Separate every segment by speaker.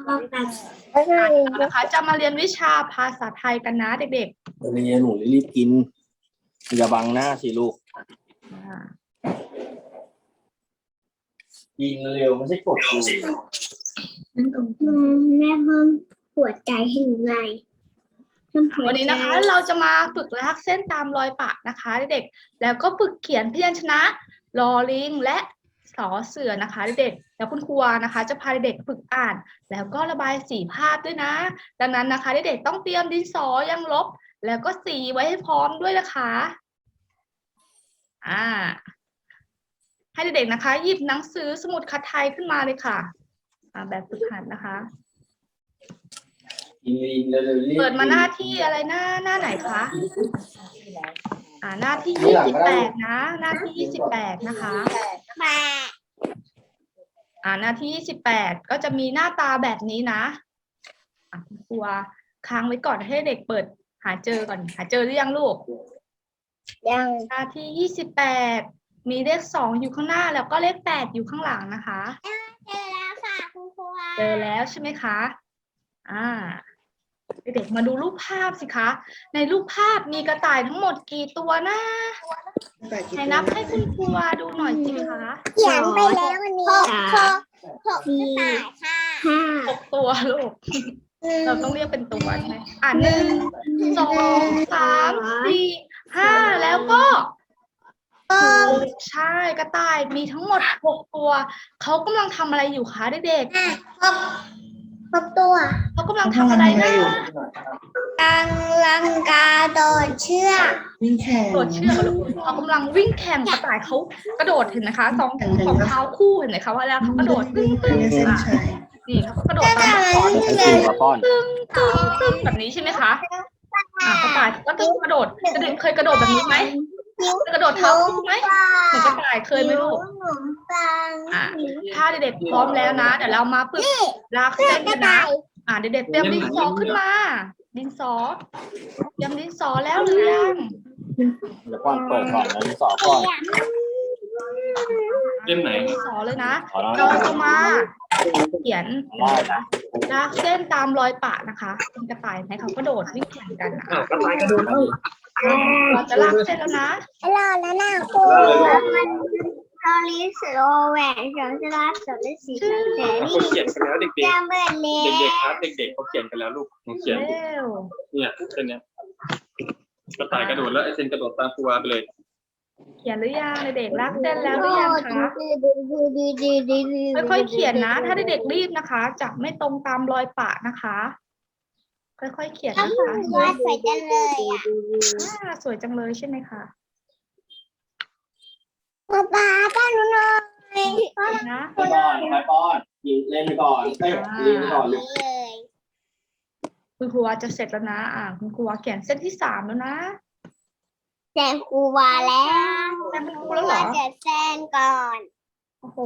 Speaker 1: นะคะจะมาเรียนวิชาภาษาไทยกันนะเด็กๆ
Speaker 2: เรียนหนูรีบกินอย่าบังหน้าสิลูกยิงเร็วไม่ใช่กดดู
Speaker 3: แม่เพิ่มหัวใจให้หนูหน่อย
Speaker 1: วันนี้นะคะเราจะมาฝึกลากเส้นตามรอยปะนะคะเด็กๆแล้วก็ฝึกเขียนพยัญชนะลอลิงและสอเสือนะคะเด็กๆแล้วคุณครูนะคะจะพาเด็กๆฝึกอ่านแล้วก็ระบายสีภาพด้วยนะดังนั้นนะคะเด็กๆต้องเตรียมดินสอยังลบแล้วก็สีไว้ให้พร้อมด้วยนะคะให้เด็กๆนะคะหยิบหนังสือสมุดคัดไทยขึ้นมาเลยค่ะแบบฝึกหัดนะคะเปิดมาหน้าที่อะไรหน้าไหนคะหน้าที่28นะหน้าที่28นะคะหน้าที่28ก็จะมีหน้าตาแบบนี้นะคุณครูค้างไว้ก่อนให้เด็กเปิดหาเจอก่อนหาเจอหรือยังลูก
Speaker 3: ยัง
Speaker 1: หน้าที่28มีเลข2อยู่ข้างหน้าแล้วก็เลข8อยู่ข้างหลังนะคะ
Speaker 3: เจอแล้วค่ะคุณครู
Speaker 1: เจอแล้วใช่ไหมคะเด็กๆมาดูรูปภาพสิคะในรูปภาพมีกระต่ายทั้งหมดกี่ตัวนะให้นับให้คุณครูดูหน่อยสิคะ
Speaker 3: เขียนไปแล้ววันนี้6กระต่ายค่ะ
Speaker 1: 6ตัวลูกเราต้องเรียกเป็นตัวใช่ไหม1 2 3 4 5แล้วก็ใช่กระต่ายมีทั้งหมด6ตัวเขากำลังทำอะไรอยู่คะเด็ก
Speaker 3: 6ตัว
Speaker 1: เขากำลังทำอะไรนะ
Speaker 3: กำลังกระโดดเชือก
Speaker 1: วิ่งแข่งโดดเชือกเขากำลังวิ่งแข่งกระต่ายเขากระโดดเห็นไหมคะสองเท้าคู่เห็นไหมคะว่าแล้วเขากระโดดตึ้งนี่เขากระโดดตามลูกศรตึ้งแบบนี้ใช่ไหมคะกระต่ายก็ต้องกระโดดเด็กเคยกระโดดแบบนี้ไหมกระโดดเท้าคู่ไหมเหมือนกระต่ายเคยไหมลูกถ้าเด็กๆพร้อมแล้วนะเดี๋ยวเรามาฝึกลากเส้นกันนะเด็กๆเตรียมดินสอขึ้นมาดินสอเตรียมดินสอแล้วหรือยัง
Speaker 2: เดี๋ยวก่อนเปิดก่อนดินสอก่อน
Speaker 1: ดินสอเลยนะเราจะมาเขียนลากเส้นตามรอยปะนะคะเป็นกระต่ายไหมเขากระโดดวิ่งแข่งกัน
Speaker 2: กระต่ายกระโดด
Speaker 1: เราจะลากเส้นแล้วนะ
Speaker 3: รอแล้วนะครูลอลิสโรแหวนสองสลาสองสีเสรี
Speaker 4: เขาเขียนกันแล้วเด็กๆเด็กๆครับเด็กๆเขาเขียนกันแล้วลูกเขียนเนี่ยเส้นเนี้ยกระต่ายกระโดดแล้วไอ้เส้นกระโดดตามครูวาไปเลย
Speaker 1: เขียนหรือยังเด็กๆลากเส้นแล้วหรือยังคะค่อยๆเขียนนะถ้าเด็กๆรีบนะคะจะไม่ตรงตามรอยปะนะคะค่อยๆเขียนนะคะ
Speaker 3: สวยจังเลย
Speaker 1: สวยจังเลยใช่ไหมคะ
Speaker 3: ป๊าป้อนหน่อย
Speaker 1: นะ
Speaker 2: ป้อนเล่นก่อนเล่นก่อนเลย
Speaker 1: คุณครูจะเสร็จแล้วนะคุณครูเขียนเส้นที่3แล้วนะ
Speaker 3: แซนครูวาแล้ว
Speaker 1: ครูแล้วเหรอ
Speaker 3: จะแซนก่อน
Speaker 1: โอ้โห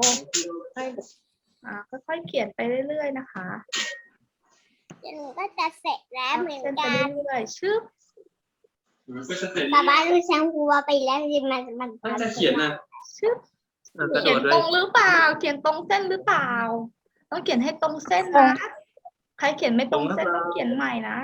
Speaker 1: ค่อยๆเขียนไปเรื่อยๆนะคะ
Speaker 3: หนูก็จะเสร็จแล้วเหมือนกัน
Speaker 1: เรื่อยๆชื่อ
Speaker 3: ป้าดูแซนครูวาไปแล้วมัน
Speaker 4: จะเขียนนะ
Speaker 1: ชื่อเขียนตรงหรือเปล่าเขียนตรงเส้นหรือเปล่าต้องเขียนให้ตรงเส้นนะใครเขียนไม่ตรงเส้นต้องเขียนใหม่นะ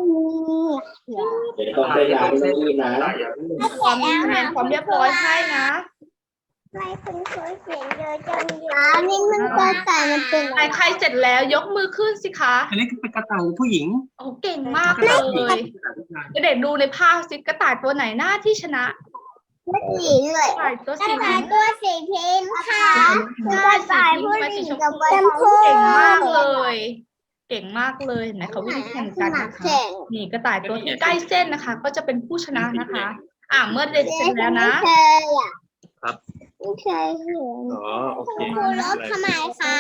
Speaker 2: ต้องเส้นยาวนี่นะ
Speaker 1: ความเรียบร้อยให้นะ
Speaker 3: ไม่คุณเคยเขียนเยอะจังนี่มันกระต่ายมันเป็น
Speaker 1: ใครเสร็จแล้วยกมือขึ้นสิคะ
Speaker 4: อันนี้เป็นกระต่ายผู้หญิง
Speaker 1: โอ้เก่งมากเลยเด็กดูในภาพสิกระต่ายตัวไหนหน้าที่ชนะ
Speaker 3: ผู้หญิงเลย
Speaker 1: ตัวสี
Speaker 3: พิมพ์ค่ะกระต่ายผู้หญิงกับชมพู
Speaker 1: เก่งมากเลยเก่งมากเลยเห็นไหมเขาวิ่งแข่งกันนะคะนี่กระต่ายตัวที่ใกล้เส้นนะคะก็จะเป็นผู้ชนะนะคะเมื่อเด็กเสร็จแล้วนะครับ
Speaker 3: ไม่เคยเห็น
Speaker 4: โอเค
Speaker 3: ครูลบทำไมคะ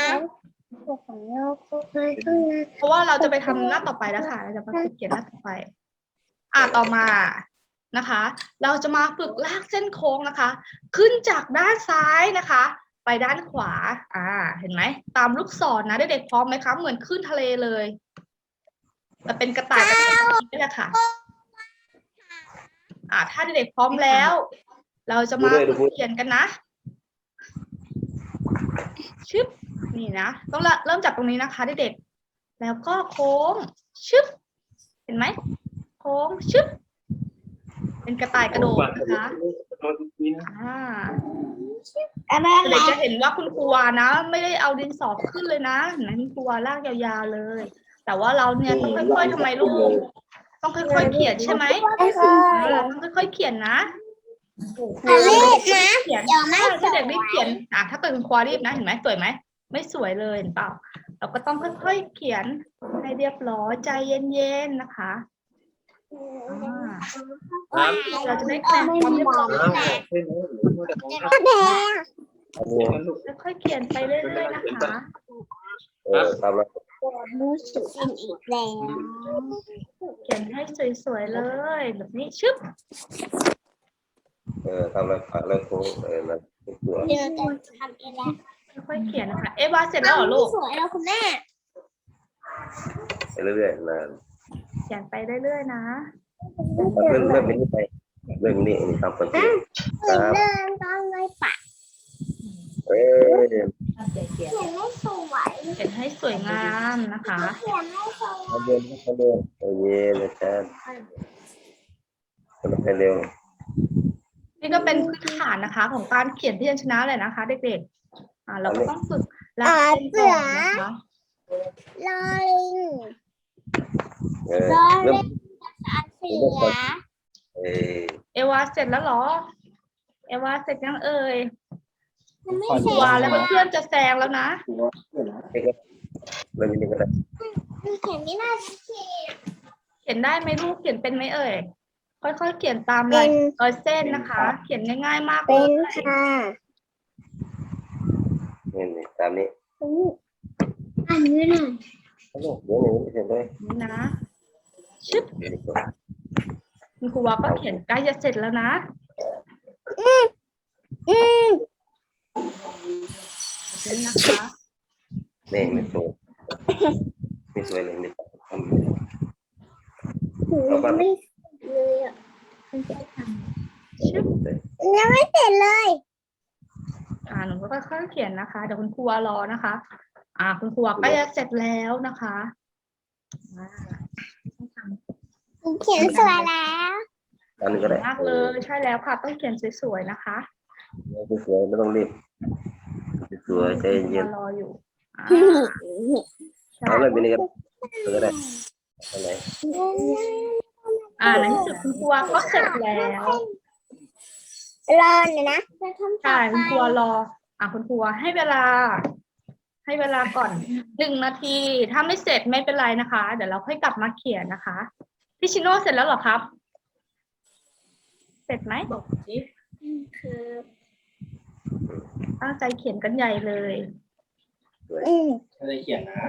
Speaker 1: เพราะว่าเราจะไปทำหน้าต่อไปแล้วค่ะเราจะมาเขียนหน้าต่อไปต่อมานะคะเราจะมาฝึกลากเส้นโค้งนะคะขึ้นจากด้านซ้ายนะคะไปด้านขวาเห็นไหมตามลูกศรนะเด็กๆพร้อมไหมคะเหมือนขึ้นทะเลเลยแต่เป็นกระต่ายนี่แหละค่ะถ้าเด็กๆพร้อมแล้วเราจะมาเขียนกันนะชึบนี่นะต้องเริ่มจากตรงนี้นะคะเด็กๆแล้วก็โค้งชึบเห็นไหมโค้งชึบเป็นกระต่ายกระโดดนะคะเด็กจะเห็นว่าคุณครูวานะไม่ได้เอาดินสอขึ้นเลยนะเห็นไหมคุณครูวาลากยาวๆเลย แต่ว่าเราเนี่ยต้องค่อยๆทำไมลูกต้องค่อยๆเขียนใช่ไหมต้องค่อยๆเขียนนะเขียนถ้าเด็กรีบเขียนถ้าเกิดคุณครูรีบนะเห็นไหมสวยไหมไม่สวยเลยเห็นเปล่าเราก็ต้องค่อยๆเขียนให้เรียบร้อยใจเย็นๆนะคะเราจะได้คะแนนความเรียบร้อยค่อยๆเขียนไปเรื่อยๆนะคะ
Speaker 3: รู้สึกเป็นอีกแล้ว
Speaker 1: เขียนให้สวยๆเลยแบบนี้ชึบ
Speaker 5: ทำอะไรโค้งนะตัว
Speaker 3: เดี๋ยวจะทำเองแล้ว
Speaker 1: ค่อยๆเขียนนะคะเอวาเสร็จแล้วเหรอลูก
Speaker 3: สวยแล้วคุณแม่
Speaker 5: ไปเรื่อยๆนาน
Speaker 1: เขียนไปเรื่อยๆนะ
Speaker 5: เรื่องนี้ไปเรื่องนี้ทำคนที่ครับ
Speaker 3: เริ่มต้องไม่ปะเขียนไม่สวย
Speaker 1: เขียนให้สวยงามนะคะ
Speaker 3: เขียนไม่สวย
Speaker 5: เย็นนะจ๊ะมันไปเร็ว
Speaker 1: นี่ก็เป็นพื้นฐานนะคะ ของการเขียนพยัญชนะเลยนะคะเด็กๆเราก็ต้องฝึกรักเป็นก่อนนะคะ
Speaker 3: ลอลิงลอ
Speaker 5: เริ่
Speaker 3: ลิ
Speaker 5: ม
Speaker 3: งอันเสีย
Speaker 1: เอวาเสร็จแล้วเหรอเอวาเสร็จยังเอ่ย
Speaker 3: มันไม่เสร็จ
Speaker 1: วาแล้วเพื่อนๆจะแซงแล้วนะ
Speaker 5: เริ่มนี้ก็ได้
Speaker 3: เขียนไม่น่าเขียน
Speaker 1: เขียนได้ไหมลูกเขียนเป็นไหมเอ่ยค่อยๆเขียนตามรอยเส้นนะคะ เขียนง่ายๆมากเล
Speaker 3: เป็
Speaker 1: ย
Speaker 3: นค่ะ
Speaker 5: นี่ตามนี้
Speaker 3: อันนี้หน่อย
Speaker 5: เดี๋ยวนี้เห็นไหม
Speaker 1: นี่นะชึบคุณครูวาก็เขียนใกล้จะเสร็จแล้วนะนี่นะคะ
Speaker 5: นี่ไม่สวยไม่สวยเลยนี่ทำ
Speaker 3: ไม่เลยอ่ะ
Speaker 1: ชึบ
Speaker 3: ยังไม่เสร็จเลย
Speaker 1: หนูก็ค่อยๆเขียนนะคะเดี๋ยวคุณครูวารอนะคะ คุณครูวาใกล้จะเสร็จแล้วนะคะ
Speaker 3: เขียนสวยแล้ว
Speaker 5: อันนี้ก็ได้
Speaker 1: มากเลยใช่แล้วค่ะต้องเขียนสวยๆนะคะ
Speaker 5: สวยไม่ต้องรีบสวยใจเย็น
Speaker 1: รออยู่
Speaker 5: เอาเลยเป็นยังไงก็ได้อะไร
Speaker 1: ในที่สุดคุณครูวาก็เสร็จแล้ว
Speaker 3: รอเลยนะจะทำต่อ
Speaker 1: ใช่
Speaker 3: ไป
Speaker 1: คุณครูวารอคุณครูวาให้เวลาก่อน1 นาทีถ้าไม่เสร็จไม่เป็นไรนะคะ เดี๋ยวเราค่อยกลับมาเขียนนะคะพี่ชิโน่เสร็จแล้วเหรอครับ เสร็จไหมบอกสิ
Speaker 3: คือ
Speaker 1: ตั้งใจเขียนกันใหญ่เลย
Speaker 2: ไม่ได้เขียนนะ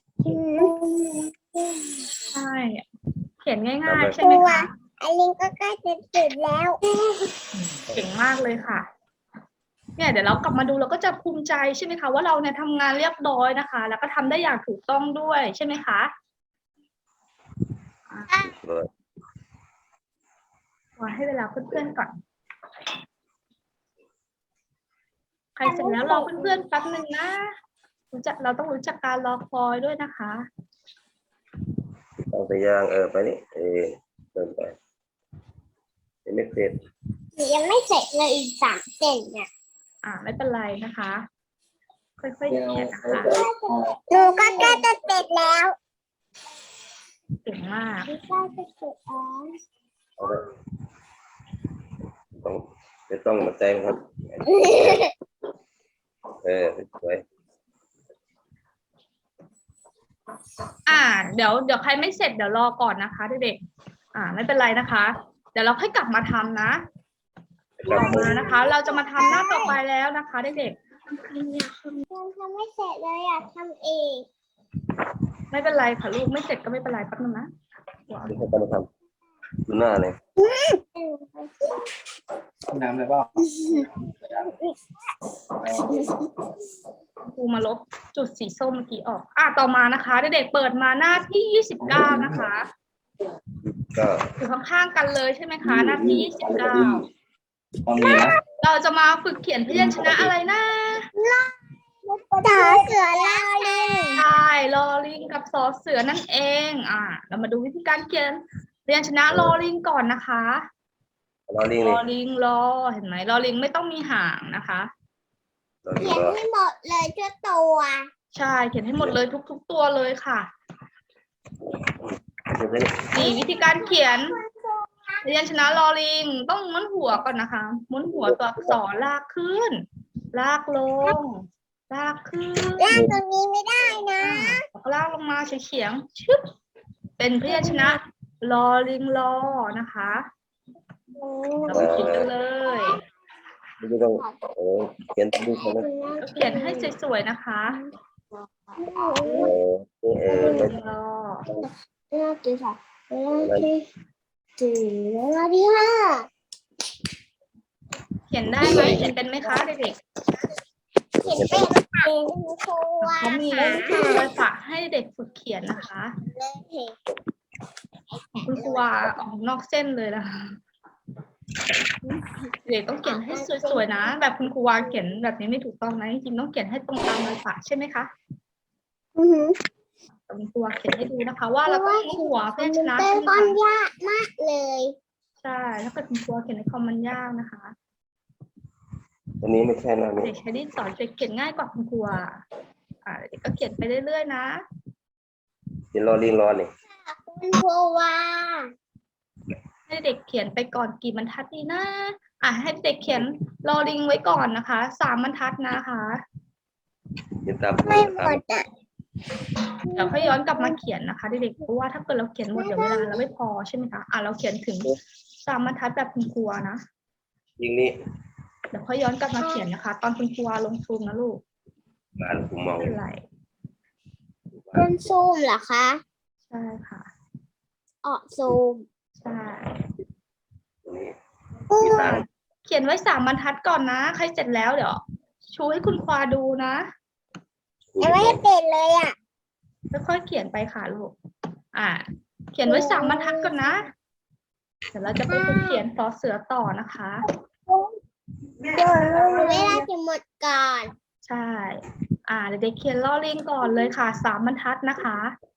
Speaker 1: ใช่เขียนง่ายๆใช่ไหมคะ
Speaker 3: อันนี้ก็ใกล้จะเสร็จแล้ว
Speaker 1: เก่งมากเลยค่ะเนี่ยเดี๋ยวเรากลับมาดูเราก็จะภูมิใจใช่ไหมคะว่าเราเนี่ยทำงานเรียบร้อยนะคะ แล้วก็ทำได้อย่างถูกต้องด้วยใช่ไหมคะว่าให้เวลาเพื่อนๆก่อนใครเสร็จแล้วรอเพื่อนๆแป๊บนึงนะเราต้องรู้จักการรอคอยด้วยนะคะ
Speaker 5: เอาไปย่างไปนี่เดินไปไม่เสร็จ
Speaker 3: ยังไม่เสร็จเลยอีก3 เส้นเนี่ย
Speaker 1: ไม่เป็นไรนะคะ ค่อยๆเขียนนะคะ
Speaker 3: หนูก็ใกล้จะเสร็จแล้ว
Speaker 1: เก่งมาก
Speaker 3: ใกล้จะเสร็จแล้ว
Speaker 5: เอาไปต้องมาแจ้งครับสวย
Speaker 1: เดี๋ยวใครไม่เสร็จเดี๋ยวรอก่อนนะคะเด็กๆไม่เป็นไรนะคะ เดี๋ยวเราค่อยกลับมาทำนะต่อมานะคะ เราจะมาทำหน้าต่อไปแล้วนะคะเด็ก
Speaker 3: ยังทำไม่เสร็จเลยอยากทำเอง
Speaker 1: ๆไม่เป็นไรค่ะลูกไม่เสร็จก็ไม่เป็นไรแป๊บนึงนะ
Speaker 5: ที่เขาจะมาทำดูหน้าเลย
Speaker 2: น้ำเลยเปล่า
Speaker 1: ครูมาลบจุดสีส้มเมื่อกี้ออกต่อมานะคะเด็กๆเปิดมาหน้าที่29นะคะ
Speaker 5: ก็
Speaker 1: อยู่ข้างๆกันเลยใช่ไหมคะหน้าที่29
Speaker 2: ตอนนี้นะ
Speaker 1: เราจะมาฝึกเขียนพยัญชนะอะไรนะ
Speaker 3: ไม่ต่อเสือลาลิง
Speaker 1: ใช่ลอลิงกับสอเสือนั่นเอง เรามาดูวิธีการเขียนพยัญชนะลอลิงก่อนนะคะ
Speaker 5: รอลิง
Speaker 1: ล
Speaker 5: นี่
Speaker 1: อลิงลอเห็นไหมลอลิงไม่ต้องมีหางนะคะ
Speaker 5: รอลิง
Speaker 3: เขียน
Speaker 5: รอ
Speaker 3: ให้หมดเลยทุกตัว
Speaker 1: ใช่เขียนให้หมดเลยทุกตัวเลยค่ะ
Speaker 5: เดี๋ยวนี้
Speaker 1: นี่วิธีการเขียนพยัญชนะลอลิงต้องม้วนหัวก่อนนะคะม้วนหัวตัวอักษรลากขึ้น ลากลง ลากขึ้น
Speaker 3: ลากตรงนี้ไม่ได้นะ
Speaker 1: แล้วก็ลากลงมาเฉียงๆชึบเป็นพยัญชนะลอลิงลอนะคะเราไปเขียนกันเลย
Speaker 5: ไม่ต้องเขียนดูเขานะ
Speaker 1: ก็เขียนให้สวยๆนะคะลอลิงลอ
Speaker 3: ลากที่สามลากที่สี่ลากที่ห้า
Speaker 1: เขียนได้ไหมเขียนเป็นไหมคะเด็ก
Speaker 3: เขียนเป็นครู
Speaker 1: ๆเขามีรอยฝากให้เด็กฝึกเขียนนะคะ คุณครูวาออกนอกเส้นเลยนะคะเด็กต้องเขียนให้สวยๆนะ แบบคุณครูวาเขียนแบบนี้ไม่ถูกต้องนะจริงๆต้องเขียนให้ตรงตามรอยฝากใช่ไหมคะคุณครูวาเขียนให้ดูนะคะ ว่าเราต้องม้วนหัวพยัญชนะ
Speaker 3: เป็น
Speaker 1: ใช่ไหม
Speaker 3: ก้อน
Speaker 1: คะ
Speaker 3: ยากมากเลย
Speaker 1: ใช่ถ้าเกิดคุณครูวาเขียนในคอมมันยากนะคะ
Speaker 5: อันนี้ไม่ใช่นะนี่
Speaker 1: เด็กใช้ดินสอเด็กเขียนง่ายกว่าคุณครูวาเด็กก็เขียนไปเรื่อยๆนะ
Speaker 5: เขียนรอลิงรอนี่
Speaker 3: คุณครูว่า
Speaker 1: ให้เด็กเขียนไปก่อนกี่บรรทัดดีนะให้เด็กเขียนลอลิงไว้ก่อนนะคะ3 บรรทัดนะคะ
Speaker 5: เขียนตาม
Speaker 3: ไม่หมดอ่ะ
Speaker 1: เดี๋ยวค่อยย้อนกลับมาเขียนนะคะเด็กๆเพราะว่าถ้าเกิดเราเขียนหมดเดี๋ยวเวลาเราไม่พอใช่ไหมคะเราเขียนถึง3 บรรทัดแบบคุณครูนะ
Speaker 5: ยิงนี่
Speaker 1: เดี๋ยวค่อยย้อนกลับมาเขียนนะคะ ตอนคุณครูลงซูมนะลูก
Speaker 5: งานกูเมา
Speaker 1: ไม่เป็นไร
Speaker 3: เป็นซูมเหรอคะ
Speaker 1: ใช่ค่ะ
Speaker 3: ออกซูม
Speaker 1: ใช่
Speaker 5: นี่มีทาง
Speaker 1: เขียนไว้3 บรรทัดก่อนนะใครเสร็จแล้วเดี๋ยวชูให้คุณครูดูนะ
Speaker 3: ยังไม่เป็นเลยอ่ะ
Speaker 1: ค่อยๆเขียนไปค่ะลูกเขียนไว้3 บรรทัดก่อนนะเดี๋ยวเราจะไปฝึกเขียนสอเสือต่อนะคะ
Speaker 3: เวลาจะหมดก่อน
Speaker 1: ใช่เด็กๆเขียนลอลิงก่อนเลยค่ะ3 บรรทัดนะคะ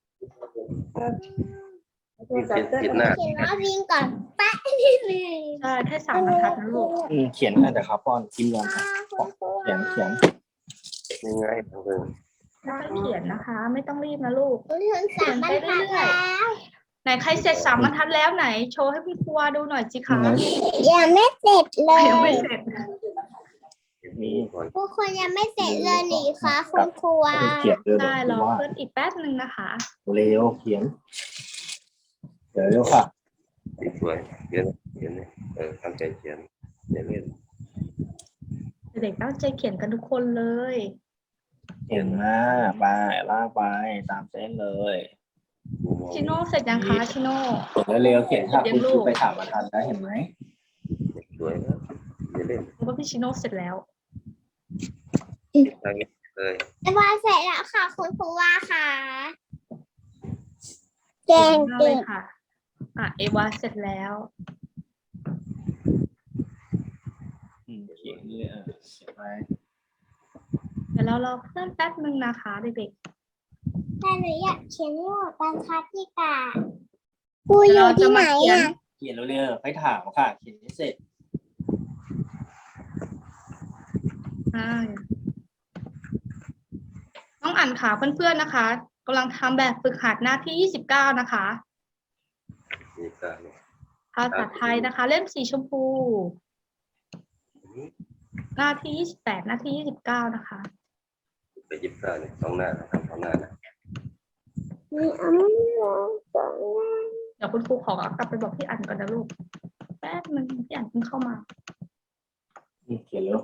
Speaker 5: เขียนหน้า
Speaker 3: เขียนว่าวิ่งก่อนแป๊ะนิดนึง
Speaker 1: ใช่แค่3 บรรทัดนะลูก
Speaker 2: เขียนได้แต่ครับป้อนกินก่อนเขียน
Speaker 5: ยังไงทางเดิน
Speaker 1: ค่อยๆเขียนนะคะ ไม่ต้องรีบนะลูก
Speaker 3: ถึงสามบรรทัดแล้ว
Speaker 1: ไหนใครเสร็จ3 บรรทัดแล้วไหนโชว์ให้คุณครูดูหน่อยสิคะ
Speaker 3: ยังไม่เสร็จเล
Speaker 1: ยังไม่
Speaker 3: ย
Speaker 1: เสร็จ
Speaker 5: นี่ก่อน
Speaker 3: ทุกคนยังไม่เสร็จเลยหนิคะคุณครูว่า
Speaker 2: เขียนเลย
Speaker 1: ใช่รอเพื่อนอีกแป๊บนึงนะคะ
Speaker 2: เร็วเขียนเดี๋ยวเร็วค่ะ
Speaker 5: สวยเขียนนี่ตั้งใจเขียนอย่าเล่น
Speaker 1: เด็กๆตั้งใจเขียนกันทุกคนเลย
Speaker 2: เขียนมาไปลากไปตามเส้นเลย
Speaker 1: ชิโน่เสร็จยังคะชิโน่
Speaker 2: เขียนเร็วเขียนค่ะคุณครูไปถามมาทันแล้วเห็นไหม
Speaker 5: สวยนะอย่าเล่น
Speaker 1: รู้ว่าพี่ชิโน่เสร็จแล้ว
Speaker 5: ทางนี้เลย
Speaker 3: เอวาเสร็จแล้วค่ะคุณครูว่าค่ะแกง
Speaker 1: มาก
Speaker 3: เก่
Speaker 1: เลย
Speaker 3: ง
Speaker 1: ค่ะเอวาเสร็จแล้ว
Speaker 2: เขียนนี่เขียนไป
Speaker 1: เดี๋ยวเรารอเพื่อนแป๊บนึงนะคะเด็ก
Speaker 3: แต่หนูอยากเขียนให้หมดบรรทัดที่กาครู
Speaker 1: ๆ
Speaker 3: อ
Speaker 1: เดี๋ยว
Speaker 3: ยู่
Speaker 1: เราจะ
Speaker 3: ที่ไหน
Speaker 1: มาเขียน
Speaker 3: อ่ะ
Speaker 2: เขียนเร็วๆให้ถามค่ะเขียนให้เสร็จ
Speaker 1: น้องอ่านค่ะเพื่อนๆนะคะกำลังทำแบบฝึกหัดหน้าที่29นะคะ
Speaker 5: นี่ก็
Speaker 1: ภาษาไทยนะคะ เล่มสีชมพู หน้าที่28หน้าที่29นะคะ
Speaker 5: ไปยิบก้าเนี่ย2 หน้านะทำ2 หน้านะ
Speaker 3: มีอันนี้สองหน้า
Speaker 1: เดี๋ยวคุณครูขอกลับไปบอกพี่อันก่อนนะลูกแป๊บนึงพี่อันเพิ่งเข้ามา
Speaker 2: เขียนเร็ว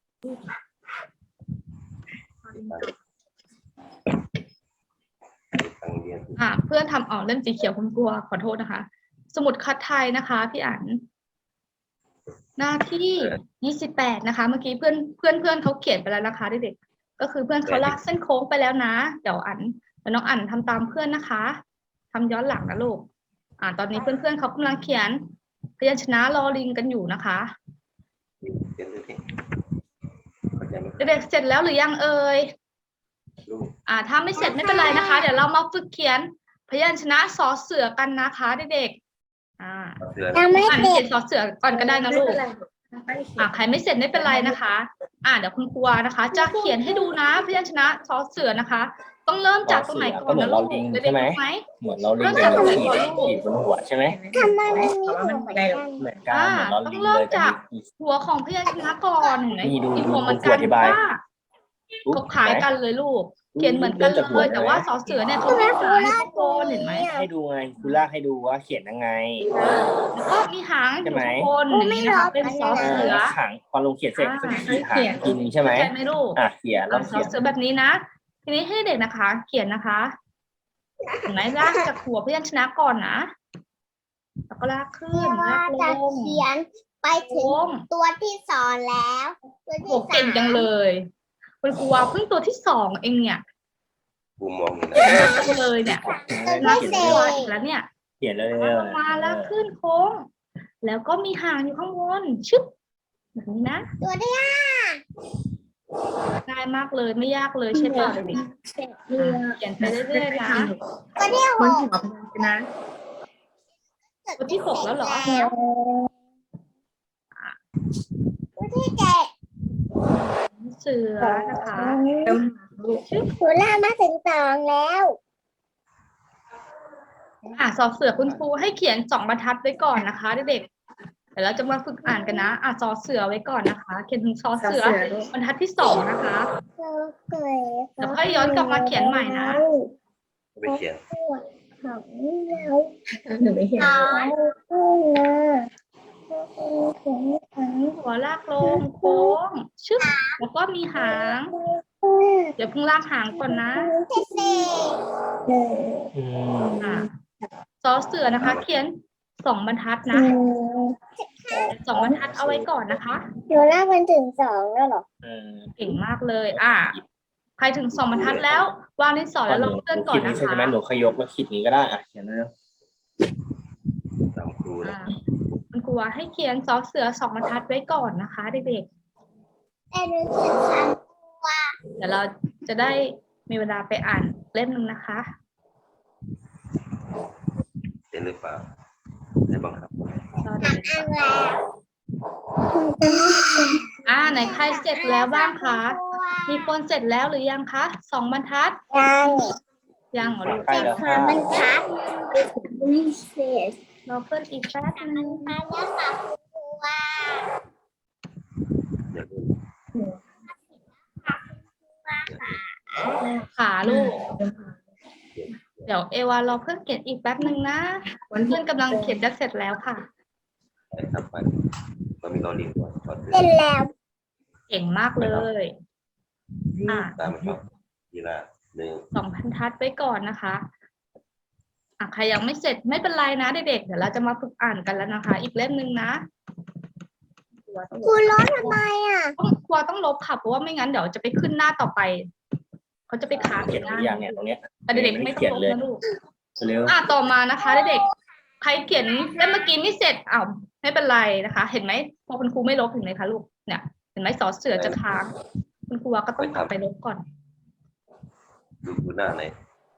Speaker 5: ทางเรียน
Speaker 1: เพื่อนทำเล่มสีเขียวคุณครูขอโทษนะคะ สมุดคัดไทยนะคะพี่อันหน้าที่28นะคะ เมื่อกี้เพื่อนเขาเขียนไปแล้วนะคะเด็กๆก็คือเพื่อนเขาลากเส้นโค้งไปแล้วนะเดี๋ยวน้องอันทำตามเพื่อนนะคะทำย้อนหลังนะลูกตอนนี้เพื่อนเขากำลังเขียนพยัญชนะลอลิงกันอยู่นะคะ
Speaker 5: เขียนดูที่เข้าใจไหม
Speaker 1: เด็กๆเสร็จแล้วหรือยังเอ่ยถ้าไม่เสร็จไม่เป็นไรนะคะ เดี๋ยวเรามาฝึกเขียนพยัญชนะสอเสือกันนะคะเด็กๆ
Speaker 3: ยังไม่
Speaker 1: อ่าน
Speaker 3: เสร็
Speaker 1: เขี
Speaker 3: จ
Speaker 1: ยนสอเสือก่อนก็ได้นะลูกใครไม่เสร็จไม่เป็นไรนะคะเดี๋ยวคุณครูนะคะ จะเขียนให้ดูนะพยัญชนะสอเสือนะคะ ต้องเริ่มจากตรงไหนก่อนนะลูกเด็กๆรู้ไหม
Speaker 2: เหมือนเราลิงเป็นขีดบนหัวใช่ไหม
Speaker 3: ทำไมมันมีหัวเหมือนกัน
Speaker 2: เหมือนกันเหมือนเรา
Speaker 1: ต้อ
Speaker 2: ลิ
Speaker 1: ง
Speaker 2: ง
Speaker 1: เริ่
Speaker 2: เล
Speaker 1: ม
Speaker 2: ยแต่
Speaker 1: จาก
Speaker 2: มี
Speaker 1: หัวของพยัญชนะก่อนเห็นไหม
Speaker 2: นี่ดู
Speaker 1: มีหัวเหมือน
Speaker 2: ครู
Speaker 1: กัน
Speaker 2: อธิบาย
Speaker 1: ว่าเขาคล้ายกันเลยลูก เขียนเหมือนกันเลยแต่ว่าสอเสือเนี่ยเขาไม่หางข้างบนเห็นไหม
Speaker 2: ให้ดูไงคุณลากให้ดูว่าเขียนยังไง
Speaker 1: แล้วก็มีหางอยู่ข้างบนอย่างนี้นะคะเป็นสอเสือ
Speaker 2: หางพอลงเขียนเสร็จก็จะขีดหางทีนึงใช่ไหม
Speaker 1: ใช่ไหมลูก
Speaker 2: เขียนลอง
Speaker 1: สอ
Speaker 2: เขียน
Speaker 1: เสือแบบนี้นะ ทีนี้ให้เด็กนะคะ เขียนนะคะเห็นไหมลากจากหัวพยัญชนะก่อนนะแล้วก็ลากขึ้น
Speaker 3: ว่า
Speaker 1: ลากล
Speaker 3: จะ
Speaker 1: ง
Speaker 3: เขียนไปถึงตัวที่สองแล้ว ตัว
Speaker 1: โห
Speaker 3: ที่
Speaker 1: เก่งจังเลยคุณครูว่าเพิ่งตัวที่2เองเนี่ย
Speaker 5: กูมองอยู่นะ
Speaker 1: เก่งมากจังเลยเนี่ย
Speaker 3: ตัว
Speaker 1: ลาก
Speaker 3: ที่
Speaker 1: ถึ
Speaker 3: สี่
Speaker 1: งตัวอีกแล้วเนี่ย
Speaker 2: เขียนเลย
Speaker 1: ลงมาแล้วขึ้นโค้ง แล้วก็มีหางอยู่ข้างบนชึบแบบนี้นะ
Speaker 3: ตัวที่ห้า
Speaker 1: ง่ายมากเลยไม่ยากเลยใช่ป่ะเด็กๆเขียนไปเรื่อยๆนะ
Speaker 3: ตัวที่หก
Speaker 1: ตัวที่6แล้วเหรอ
Speaker 3: ตัวที่เจ็ด
Speaker 1: เสือนะคะชึบ
Speaker 3: หนูล่ามาถึงสองแล้ว
Speaker 1: สอบเสือคุณครูให้เขียน2 บรรทัดไว้ก่อนนะคะเด็กๆเดี๋ยวเราจะมาฝึกอ่านกันนะสอเสือไว้ก่อนนะคะ เขียนถึงสอเสือบรรทัดที่2นะคะ
Speaker 3: เราเคย
Speaker 1: แล้วค่อยย้อนกลับมาเขียนใหม่นะ
Speaker 5: ไปเขียน
Speaker 3: ของเราขึ้นนะ
Speaker 1: หัวลากลงโค้งชึบแล้วก็มีหาง เดี๋ยวเพิ่งลากหางก่อนนะ
Speaker 3: ที่สี่
Speaker 1: สอเสือนะคะ เขียน2 บรรทัดนะ2 บรรทัดเอาไว้ก่อนนะคะ
Speaker 3: หนูล่ามันถึงสองแล้วเหรอ
Speaker 1: เก่งมากเลยใครถึง2 บรรทัดแล้ววางดินสอแล้วลงเพื่อนก่อน
Speaker 2: ขีดนี้
Speaker 1: นะ
Speaker 2: ใช่
Speaker 1: คะ
Speaker 2: ไหมหนูขยกแล้วขีดนี้ก็ได้เขียนเลย
Speaker 5: ตามครูนะ
Speaker 1: คุณครูให้เขียนสอเสือ2 บรรทัดไว้ก่อนนะคะเด็ก
Speaker 3: แต่หนูเขียนสามตัว
Speaker 1: ๆเดี๋ยวเราจะได้มีเวลาไปอ่านเล่มนึงนะคะ
Speaker 5: เขียนหรือเปล่าให้บังคับ
Speaker 3: อันแล้ว
Speaker 1: ไหนใครเสร็จแล้วบ้างคะมีคนเสร็จแล้วหรือยังคะ2 บรรทัด
Speaker 3: ยัง
Speaker 1: ยังเหรอลูก
Speaker 2: ใกล้แล้ว
Speaker 3: สามบรรทัดวิเศษ
Speaker 1: รอเพื่อนอีกแป๊บนึง
Speaker 3: มาแล้วค่ะครูว่า
Speaker 5: เดี๋ยวดู
Speaker 1: ขาลูก เดี๋ยวเอวารอเพื่อนเขียนอีกแป๊บนึงนะเพื่อนกำลังเขียนจะเสร็จแล้วค่ะ
Speaker 5: ไปทำไปก็มีตอนเรียนก่อนตอนเรีย
Speaker 3: เป็น
Speaker 5: น
Speaker 3: แล้ว
Speaker 1: เก่งมากเลย
Speaker 5: ตามมาชอบทีละหนึ่ง
Speaker 1: 2 บรรทัดไว้ก่อนนะคะใครยังไม่เสร็จไม่เป็นไรนะเด็กๆเดี๋ยวเราจะมาฝึกอ่านกันแล้วนะคะ อีกเล่มนึงนะ
Speaker 3: ครูร้อนทำไมอ่ะ
Speaker 1: ครูต้องลบค่ะเพราะว่าไม่งั้นเดี๋ยวจะไปขึ้นหน้าต่อไปเขาจะไปค้าง
Speaker 2: เขียน
Speaker 1: ห
Speaker 2: ห
Speaker 1: น้า
Speaker 2: รือยังเนี่ยตรงเนี้ย
Speaker 1: แต่เด็กๆไม่ต้องลบนะลูก
Speaker 2: เร็ว
Speaker 1: ต่อมานะคะเด็กๆใครเขียนเล่มเมื่อกี้ไม่เสร็จไม่เป็นไรนะคะ เห็นไหมพอคุณครูไม่ลบเห็นไหมคะลูกเนี่ยเห็นไหมสอเสือจะค้างคุณครูก็ต้องกลับไปลบก่อน
Speaker 5: ดูหน้าไหน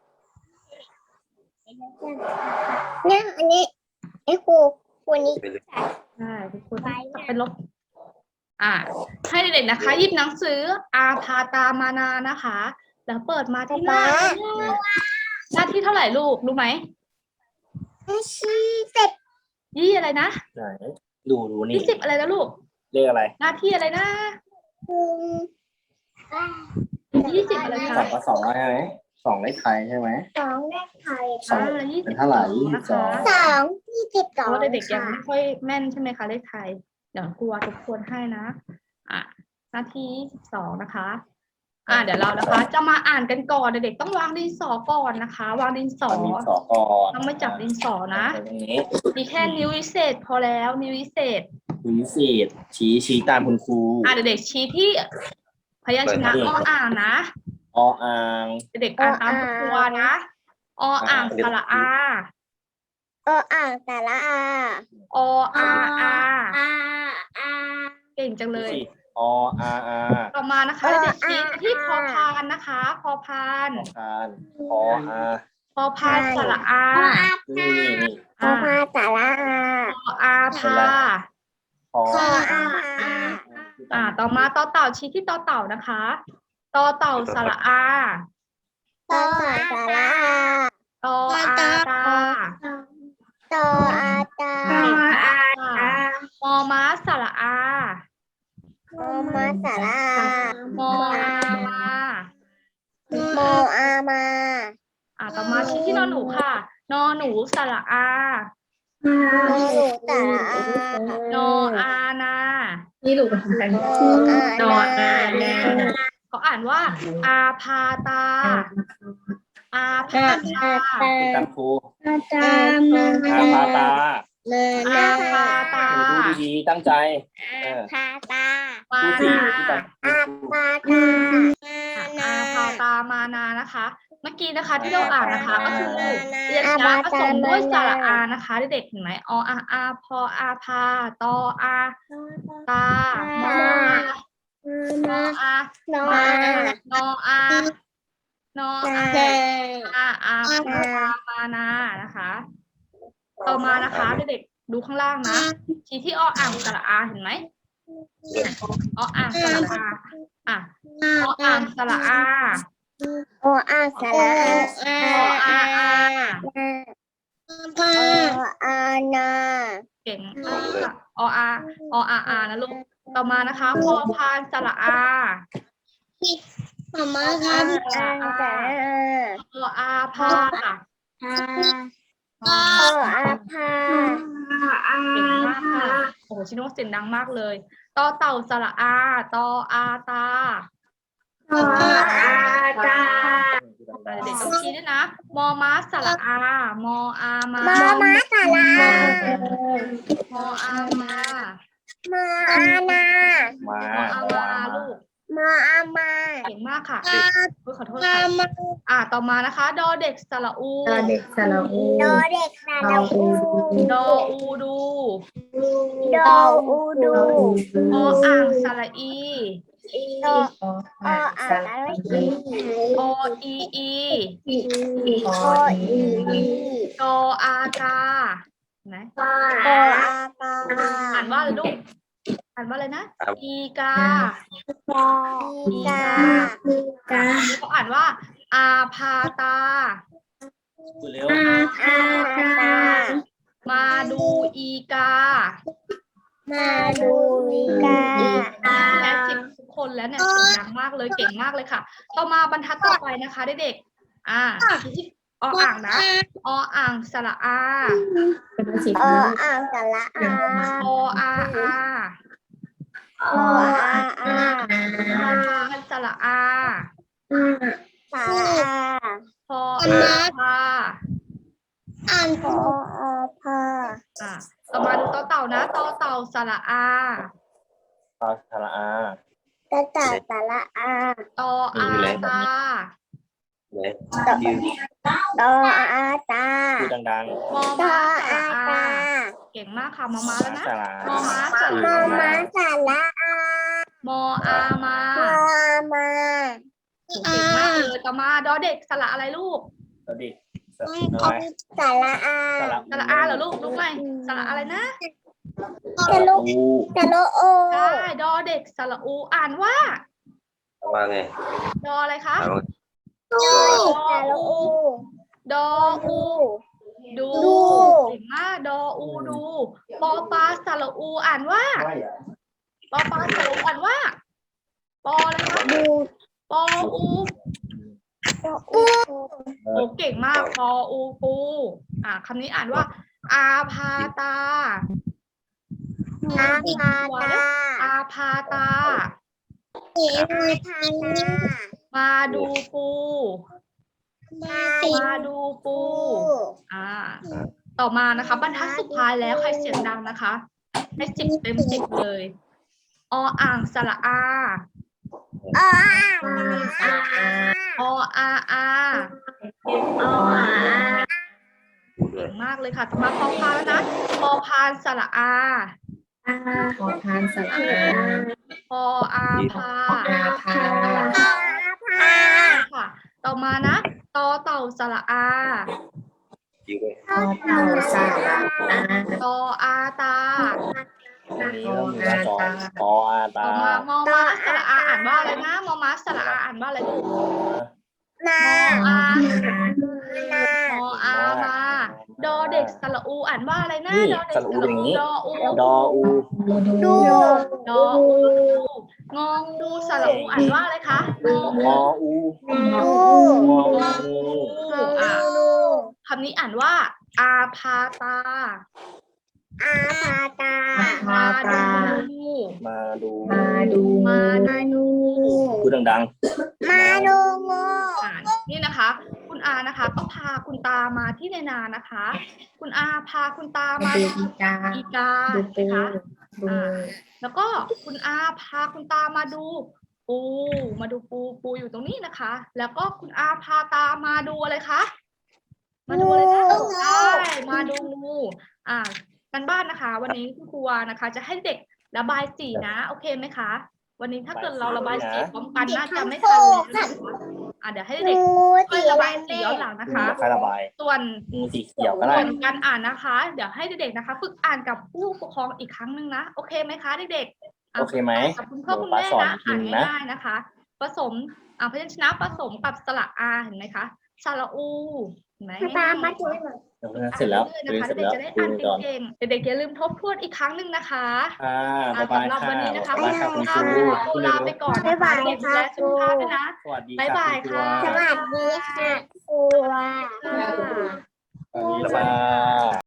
Speaker 3: เนี่ยอันนี้ไอ้ครูนี้
Speaker 5: ไปเลย
Speaker 1: ใช่คุณครูต้องกลับไปลบให้เด็กๆนะคะหยิบหนังสืออาพาตามานานะคะ แล้วเปิดมาที่หน้าที่เท่าไหร่ลูกรู้ไหม
Speaker 3: ชี้เสร็จ
Speaker 1: ยี่อะไรนะ
Speaker 2: ไหนดูนี่
Speaker 1: 20อะไรนะลูก
Speaker 2: เลขอะไร
Speaker 1: หน้าที่อะไรนะ20อะไรคะ
Speaker 2: 2ใช่ไหม2เลขไทยใช่ไหม
Speaker 3: สองเลขไทย
Speaker 1: 20
Speaker 2: เป็นเท่าไหร่
Speaker 1: นะคะ
Speaker 3: 22
Speaker 1: เพราะว่าเด็กๆยัง
Speaker 3: ค่ะ
Speaker 1: ไม่ค่อยแม่นใช่ไหมคะเลขไทยเดี๋ยวครูทบทวนให้นะหน้าที่2นะคะเดี๋ยวเรานะคะ จะมาอ่านกันก่อนเด็กๆต้องวางดินสอก่อนนะคะ วางดินสอ
Speaker 2: ดินสอก่อน
Speaker 1: ต้องไม่จับดินสอนะ
Speaker 2: ตรงนี้
Speaker 1: มีแค่นิ้ววิเศษพอแล้วนิ้ววิเศษ
Speaker 2: คุณวิเศษชี้ตามคุณครู
Speaker 1: เด็กๆชี้ที่พยัญชนะอ่างนะ
Speaker 2: อ่าง
Speaker 1: เด็กๆอ่านตามครูนะอ่างสระอา
Speaker 3: อ่างแต่ละอา
Speaker 1: อา
Speaker 3: อา
Speaker 1: เก่งจังเลย
Speaker 2: อออาอา
Speaker 1: ต่อมานะคะเด็กๆชี้ที่พอพานนะคะพอพาน
Speaker 2: พานพออา
Speaker 1: พอพานสระอา
Speaker 2: นี่นี่
Speaker 3: พอพาสาระ
Speaker 1: พออาพา
Speaker 2: พอ
Speaker 3: พออาพา
Speaker 1: ต่อมาต่อเต่าชี้ที่ต่อเต่านะคะต่อเต่าสระอา
Speaker 3: ต่อสาระ
Speaker 1: ต่ออาตา
Speaker 3: ต่ออาตา
Speaker 1: มอม้าสระอา
Speaker 3: โมมาสาระ
Speaker 1: มออามา
Speaker 3: โมอามา
Speaker 1: ต่อมาชี้ที่นอนหนูค่ะนอหนูสระอา
Speaker 3: โมหนูสาระ
Speaker 1: นออานา
Speaker 3: โมอานา
Speaker 1: เขาอ่านว่า อาพาตา อาพาตา
Speaker 2: คุณตังครู
Speaker 3: ตามมา
Speaker 2: อาพาตา
Speaker 1: อาพาตา
Speaker 2: ดูดีๆตั้งใจ
Speaker 3: พาตา
Speaker 1: มา
Speaker 2: ดูสิ
Speaker 1: นา
Speaker 2: คุณตัง
Speaker 3: อาพาตา
Speaker 1: อาพาตามานานะคะ เมื่อกี้นะคะที่เราอ่านนะคะก็คือเรียนช้าผสมด้วยสระอานะคะเด็กๆเห็นไหมออาพออาพาตออาตามออา
Speaker 3: โน
Speaker 1: มาน
Speaker 3: อา
Speaker 1: นออานออาอาพามานานะคะ ต่อมานะคะเด็กๆดูข้างล่างนะชี้ที่ออ่างสระอาเห็นไหมออ่างสระอาออ่างสระอา
Speaker 3: โออาสาระ
Speaker 1: ออาอา
Speaker 3: โออานา
Speaker 1: เก่งมากค่ะออานะลูกต่อมานะคะพอพานสระอา
Speaker 3: มาม่าครับอาสาระ
Speaker 1: ออาพา
Speaker 3: โออาพา
Speaker 1: เก่งมากค่ะโอ้โหชิโนเสียงดังมากเลยต่อเต่าสระอาตออาตา
Speaker 3: โออาตา
Speaker 1: เด็กๆต้องชี้ด้วยนะมอม้าสระอามออามา
Speaker 3: มาม่าสาระ
Speaker 1: มออามา
Speaker 3: มาอานา
Speaker 2: มาม
Speaker 1: ออามาลูก
Speaker 3: มาอามา
Speaker 1: เก่งมากค่ะขอโทษค่ะต่อมานะคะดอเด็กสระอู
Speaker 3: โดเด็กสาระอู
Speaker 1: ดออูดู
Speaker 3: โดอูดู
Speaker 1: ออ่างสระอี
Speaker 3: โดออาสาระอี
Speaker 1: ออีอี
Speaker 3: โออี
Speaker 1: ดออาตาไหน
Speaker 3: โออาตา
Speaker 1: อ่านว่าอะไรลูกอ่านว่าอะไรนะอีกา
Speaker 3: อีกา
Speaker 1: เขาอ่านว่า อาพาตา
Speaker 2: เร็ว
Speaker 3: อาตา
Speaker 1: มาดูอีกา
Speaker 3: มาดูอีกา
Speaker 1: แค่10ทุกคนแล้วเนี่ยเสียงดังมากเลยเก่งมากเลยค่ะ ต่อมาบรรทัดต่อไปนะคะเด็กๆออ่างนะออ่างสระอา
Speaker 3: โออาสาระอา
Speaker 1: ออาอา
Speaker 3: โออาอา
Speaker 1: พอพานสระอา
Speaker 3: สาระอา
Speaker 1: พออาพา
Speaker 3: โออาพา
Speaker 1: ต่อมาดูต่อเต่านะต่อเต่าสระอา
Speaker 2: ปาสระอา
Speaker 3: ตาตาสาระอา
Speaker 1: ตออาตา
Speaker 5: ไหนยืน
Speaker 3: โออาตา
Speaker 2: พูดดัง
Speaker 1: มอ
Speaker 3: โอ
Speaker 1: ม้าส
Speaker 3: อา
Speaker 1: ระอา
Speaker 3: ตา
Speaker 1: เก่งมากค่ะมอม้า
Speaker 2: ๆ
Speaker 1: แล้วนะ
Speaker 2: สระ
Speaker 1: มอม้าส
Speaker 3: โม
Speaker 1: ระ
Speaker 3: มาสาระอาม
Speaker 1: ออามา
Speaker 3: โมอามา
Speaker 1: เก่งมากเลยต่อมาดอเด็กสระอะไรลูก
Speaker 2: สดิอะไร
Speaker 3: สาระอา
Speaker 1: สระอาเหรอลูกลูกไหมสระอะไรนะ
Speaker 3: สะลุ
Speaker 2: อู
Speaker 3: สะลุโอ
Speaker 1: ใช่ดอเด็กสระอูอ่านว่า
Speaker 5: ว่าไง
Speaker 1: ดออะไรคะ
Speaker 5: เอา
Speaker 3: สะลุโอ
Speaker 1: ดออูดู
Speaker 3: ดู
Speaker 1: เก่งมากดออูดูปอปลาสระอูอ่านว่าปอปลาสระอูอ่านว่าปออะไรคะ
Speaker 3: ดู
Speaker 1: ปออู
Speaker 3: อู
Speaker 1: โอ้เก่งมากปออูปูคำนี้อ่านว่า อาพาตา
Speaker 3: อาพาตา
Speaker 1: อาพาตา
Speaker 3: อาพาตา
Speaker 1: มาดูปู มาดูปู ต่อมานะคะบรรทัดสุดท้ายแล้วใครเสียงดังนะคะให้10 เต็ม 10เลยออ่างสระอา
Speaker 3: อา
Speaker 1: ออาอา
Speaker 3: อา
Speaker 5: พูดเล
Speaker 1: เก่
Speaker 5: ย
Speaker 1: งมากเลยค่ะต่อมาพอพานแล้วนะพอพานสระอา
Speaker 3: พอพานสระอา
Speaker 1: พออาพา
Speaker 6: พา
Speaker 1: ค่ะ ต่อมานะตอเต่าสระอา
Speaker 5: จริงเลย
Speaker 6: พอเต่าสาระอา
Speaker 1: ตออาตา
Speaker 2: อันนี้เริ่มมีหน้าจอปออา
Speaker 1: ต่
Speaker 2: ตา
Speaker 1: อมามอม้าสระอาอ่านว่าอะไรนะมอม้าสระอาอ่านว่าอะไรลูก
Speaker 3: นา
Speaker 1: อา
Speaker 3: นา
Speaker 1: มออามาดอเด็กสระอูอ่านว่าอะไรนะ
Speaker 2: นี่
Speaker 1: ดอเด็ก
Speaker 2: สระอูอย่างนี้
Speaker 1: ดออู
Speaker 2: ดออู
Speaker 3: ดู
Speaker 1: ดออูงองูสระอูอ่านว่าอะไรคะงออู
Speaker 2: งออู
Speaker 3: ดู
Speaker 2: งออู
Speaker 1: อ่ะคำนี้อ่านว่า อาพาตา
Speaker 3: อาพาตา
Speaker 1: มาดู
Speaker 2: มาดู
Speaker 6: มาดู
Speaker 1: มาดู
Speaker 2: พูดดัง
Speaker 3: มาดูงู
Speaker 1: นี่นะคะ คุณอานะคะ ก็พาคุณตามาที่ในนานะคะ คุณอาพาคุณตามา
Speaker 6: ดู
Speaker 1: ดู
Speaker 6: อีกา
Speaker 1: อีกา
Speaker 6: ดูปู
Speaker 1: นะคะ
Speaker 6: ดู
Speaker 1: แล้วก็คุณอาพาคุณตามาดูปูอยู่ตรงนี้นะคะ แล้วก็คุณอาพาตามาดูอะไรคะมาดูอะไรนะใช่มาดูงูกันบ้านนะคะ วันนี้คุณครูนะคะ จะให้เด็กระบายสีนะโอเคไหมคะ วันนี้ถ้าเกิดเราระบายสีพร้อมกันน่าจะไม่ทันเลยนะคะเดี๋ยวให้เด็ก
Speaker 3: งู
Speaker 1: ช่วยระบายสีย้อนหลัง
Speaker 2: ๆ
Speaker 1: นะ
Speaker 2: งู
Speaker 1: คะ
Speaker 2: จะใครระบาย
Speaker 1: ส่วน
Speaker 2: งูสีเขียวก็ได้
Speaker 1: ส่วนการอ่านนะคะ เดี๋ยวให้เด็กๆนะคะ ฝึกอ่านกับผู้ปกครองอีกครั้งหนึ่งนะโอเคไหมคะเด็กๆ
Speaker 2: โอเคไหม
Speaker 1: กับคุณพ่อคุณแม่
Speaker 2: สอน
Speaker 1: นะ
Speaker 2: อีกที
Speaker 1: อ่าน
Speaker 2: นะ
Speaker 1: ง่ายๆนะคะ ผสมพยัญชนะผสมกับสระอาเห็นไหมคะสระอูเห็นไหม
Speaker 3: ตามมาดู
Speaker 2: เดี๋ยวเสร็จแล้ว
Speaker 1: อ่าน
Speaker 2: เสร็จ
Speaker 1: เรื่อยๆ
Speaker 2: แล้ว
Speaker 1: นะคะเด็กๆจะได้
Speaker 2: ดู
Speaker 1: อ่าน
Speaker 2: ก่อน
Speaker 1: เก่งๆเด็กๆอย่าลืมทบทวนอีกครั้งหนึ่งนะคะ
Speaker 2: บ๊ายบาย
Speaker 1: สำหรับ
Speaker 2: ค่ะ
Speaker 1: วันนี้นะคะ
Speaker 2: บ๊ายบายค่ะคุณครู
Speaker 1: ครูลาไปก่อนนะคะเด็กๆดูแลสุขภาพด้วยนะ
Speaker 2: สวัสดี
Speaker 1: บ๊ายบาย
Speaker 2: คุณ
Speaker 1: ค่ะ
Speaker 2: ครู
Speaker 3: สวัสดีค่ะครู
Speaker 1: ค่ะ
Speaker 2: สวัสดีค่ะ